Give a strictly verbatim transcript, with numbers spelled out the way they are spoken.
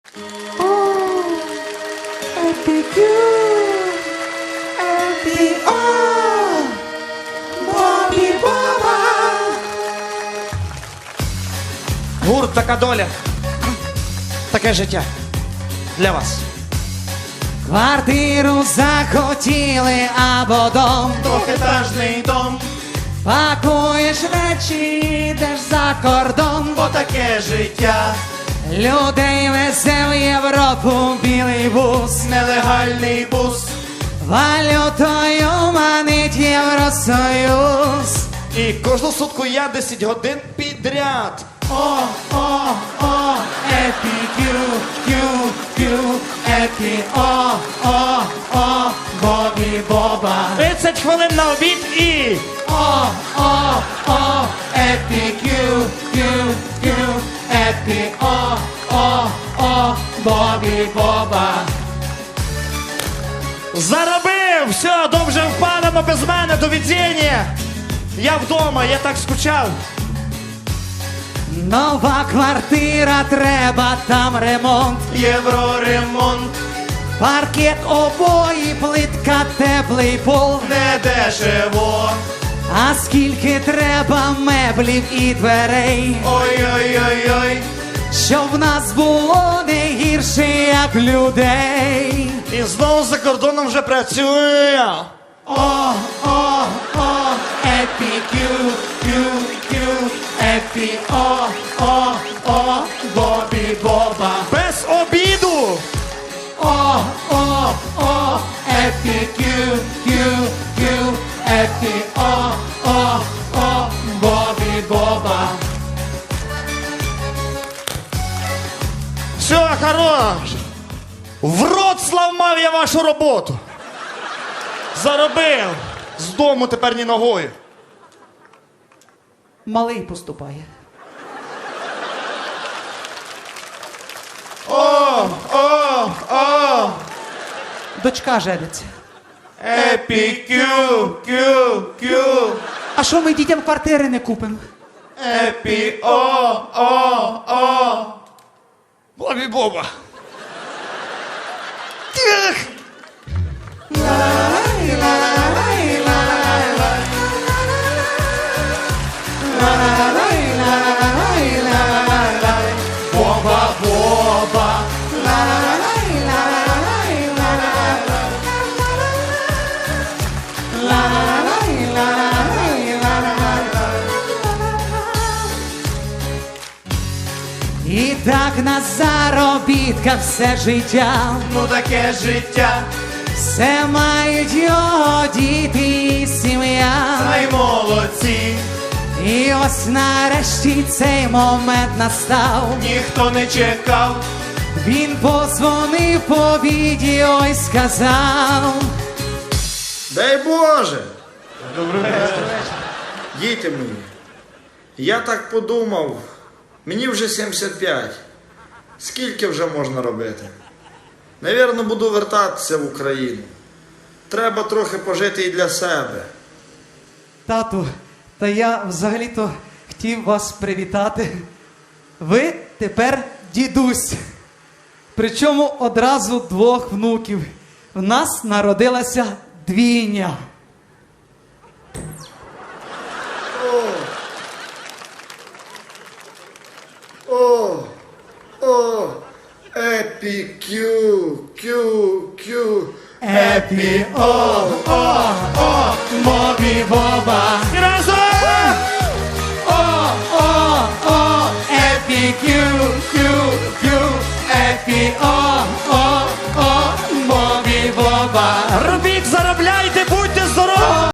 Епікю, епі, о, Бобі Боба. Гурт «Така доля». Таке життя. Для вас. Квартиру захотіли або дом, Двохетажний дом, пакуєш речі, йдеш за кордон, бо таке життя. людей везе в Європу білий бус, Нелегальний бус. валютою манить Євросоюз. І кожну сутку я десять годин підряд. О, о, о, епі-кю, кю, кю, епі, о, о, о, Бобі Боба. тридцять хвилин на обід і... О, о, о, епі-кю, кю, кю, епі, о, о, о, Бобі Боба. Заробив! Все, добре впадемо без мене, до відзіння. Я вдома, я так скучав. Нова квартира, треба там ремонт. Євроремонт, Паркет, обої, плитка, теплий пол. не дешево. А скільки треба меблів і дверей, Ой-ой-ой-ой. щоб в нас було не гірше, як людей. І знову за кордоном вже працює. О, о, о, епі, кю, кю, кю, епі, о, о, о, Бобі Боба. Без обіду. О, о, о, епі, кю, кю, кю, епі, о, о, о, Бобі Боба. Все, хорош. В рот зламав я вашу роботу. Заробив. З дому тепер ні ногою. Малий поступає. О, о, о. Дочка жениться. Епі, кю, кю, кю. А що ми дітям квартири не купимо? Епі, о, о, о. Бобі Боба. Тих. Боба, Боба. І так на заробітках все життя, Ну таке життя. все мають його діти і сім'я. Ай, молодці. І ось нарешті цей момент настав. Ніхто не чекав. Він позвонив по відео і сказав: Дай Боже! Добрий вечір. Діти мої, я так подумав, мені вже сімдесят п'ять. Скільки вже можна робити? Навірно, буду вертатися в Україну. Треба трохи пожити і для себе. тату, та я взагалі-то хотів вас привітати. Ви тепер дідусь. Причому одразу двох внуків. В нас народилася двійня. О, о, епі, кю, кю, кю, Епі, о, о, о, Бобі Боба. І разом! О, о, о, епі, кю,